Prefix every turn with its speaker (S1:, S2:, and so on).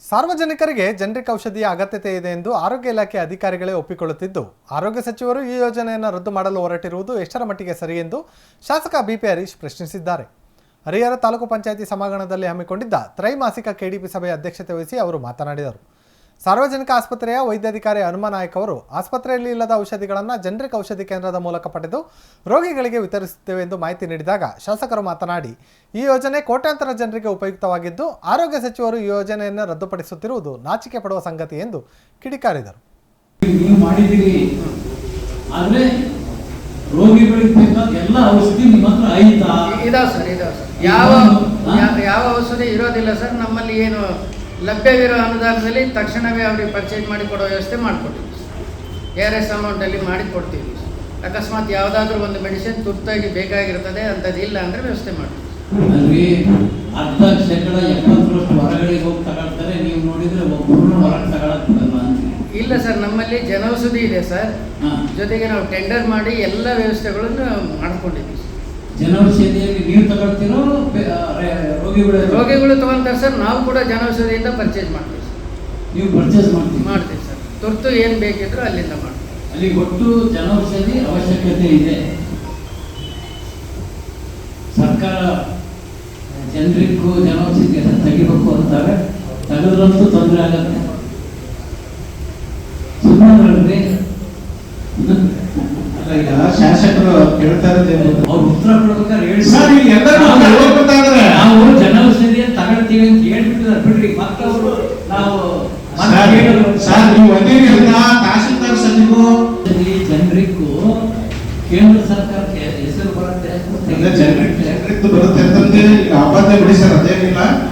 S1: ಸಾರ್ವಜನಿಕರಿಗೆ ಜನರಿಕ್ ಔಷಧಿಯ ಅಗತ್ಯತೆ ಇದೆ ಎಂದು ಆರೋಗ್ಯ ಇಲಾಖೆ ಅಧಿಕಾರಿಗಳೇ ಒಪ್ಪಿಕೊಳ್ಳುತ್ತಿದ್ದು, ಆರೋಗ್ಯ ಸಚಿವರು ಈ ಯೋಜನೆಯನ್ನು ರದ್ದು ಮಾಡಲು ಹೊರಟಿರುವುದು ಎಷ್ಟರ ಮಟ್ಟಿಗೆ ಸರಿ ಎಂದು ಶಾಸಕ ಬಿಪಿ ಹರೀಶ್ ಪ್ರಶ್ನಿಸಿದ್ದಾರೆ. ಹರಿಹರ ತಾಲೂಕು ಪಂಚಾಯಿತಿ ಸಭಾಂಗಣದಲ್ಲಿ ಹಮ್ಮಿಕೊಂಡಿದ್ದ ತ್ರೈಮಾಸಿಕ ಕೆಡಿಪಿ ಸಭೆಯ ಅಧ್ಯಕ್ಷತೆ ವಹಿಸಿ ಅವರು ಮಾತನಾಡಿದರು. ಸಾರ್ವಜನಿಕ ಆಸ್ಪತ್ರೆಯ ವೈದ್ಯಾಧಿಕಾರಿ ಹನುಮ ನಾಯಕ್ ಅವರು ಆಸ್ಪತ್ರೆಯಲ್ಲಿ ಇಲ್ಲದ ಔಷಧಿಗಳನ್ನು ಜನರಿಕ್ ಔಷಧಿ ಕೇಂದ್ರದ ಮೂಲಕ ಪಡೆದು ರೋಗಿಗಳಿಗೆ ವಿತರಿಸುತ್ತೇವೆ ಎಂದು ಮಾಹಿತಿ ನೀಡಿದಾಗ ಶಾಸಕರು ಮಾತನಾಡಿ, ಈ ಯೋಜನೆ ಕೋಟ್ಯಾಂತರ ಜನರಿಗೆ ಉಪಯುಕ್ತವಾಗಿದ್ದು ಆರೋಗ್ಯ ಸಚಿವರು ಈ ಯೋಜನೆಯನ್ನು ರದ್ದುಪಡಿಸುತ್ತಿರುವುದು ನಾಚಿಕೆ ಪಡುವ ಸಂಗತಿ ಎಂದು ಕಿಡಿಕಾರಿದರು.
S2: ಯಾವ ಔಷಧಿ ಇರೋದಿಲ್ಲ ಸರ್. ನಮ್ಮಲ್ಲಿ ಏನು ಲಭ್ಯವಿರೋ ಅನುದಾನದಲ್ಲಿ ತಕ್ಷಣವೇ ಅವರಿಗೆ ಪರ್ಚೇಸ್ ಮಾಡಿ ಕೊಡೋ ವ್ಯವಸ್ಥೆ ಮಾಡಿಕೊಡ್ತೀವಿ. ARS ಅಮೌಂಟಲ್ಲಿ ಮಾಡಿ ಕೊಡ್ತೀವಿ. ಅಕಸ್ಮಾತ್ ಯಾವುದಾದ್ರೂ ಒಂದು ಮೆಡಿಸಿನ್ ತುರ್ತಾಗಿ ಬೇಕಾಗಿರ್ತದೆ ಅಂಥದ್ದು ಇಲ್ಲ ಅಂದರೆ ವ್ಯವಸ್ಥೆ ಮಾಡ್ತೀವಿ. ಇಲ್ಲ ಸರ್, ನಮ್ಮಲ್ಲಿ ಜನೌಷಧಿ ಇದೆ ಸರ್. ಜೊತೆಗೆ ನಾವು ಟೆಂಡರ್ ಮಾಡಿ ಎಲ್ಲ ವ್ಯವಸ್ಥೆಗಳನ್ನು ಮಾಡ್ಕೊಂಡಿದ್ದೀವಿ.
S3: ಜನೌಷಧಿಯಲ್ಲಿ ನೀವು ತಗೊಳ್ತೀರೋ
S2: ರೋಗಿಗಳು ತಗೊಳ್ತಾರೆ ಸರ್. ನಾವು ಕೂಡ ಜನೌಷಧಿಯಿಂದ ಪರ್ಚೇಸ್ ಮಾಡ್ತೀವಿ ಸರ್.
S3: ನೀವು ಪರ್ಚೇಸ್
S2: ಮಾಡ್ತೀವಿ ಸರ್. ತುರ್ತು ಏನು ಬೇಕಿದ್ರು ಅಲ್ಲಿಂದ ಮಾಡ್ತೀವಿ.
S3: ಅಲ್ಲಿ ಒಟ್ಟು ಜನೌಷಧಿ ಅವಶ್ಯಕತೆ ಇದೆ. ಸರ್ಕಾರ ಜನರಿಗೂ ಜನೌಷಧಿ ತೆಗಿಬೇಕು ಅಂತಾರೆ. ತೆಗೆದ್ರಂತೂ ತೊಂದರೆ ಆಗತ್ತೆ. ಸುಮ್ಮನೆ
S4: ಶಾಸಕರು ಕೇಳ್ತಾ ಇರೋದು
S3: ಅವ್ರು ಉತ್ತರ ಕೊಡ್ಬೇಕಾದ್ರೆ ಹೇಳಿ
S4: ನಾವು
S3: ಜನೌಷಧಿಯ ತಗೊಳ್ತೀವಿ ಅಂತ ಹೇಳ್ಬಿಟ್ಟಿದ್ದಾರೆ. ಬಿಡ್ರಿ ಮಕ್ಕಳು ನಾವು
S4: ತಹಸೀಲ್ದಾರ್ ಸಚಿವರು
S3: ಜನರಿಗೂ ಕೇಂದ್ರ ಸರ್ಕಾರಕ್ಕೆ ಹೆಸರು ಬರುತ್ತೆ.
S4: ಜನರಿಗೆ ಬರುತ್ತೆ ಅಂತಂದ್ರೆ ಅಬದ್ಧ ಬಿಡಿ ಸರ್, ಅದೇನಿಲ್ಲ.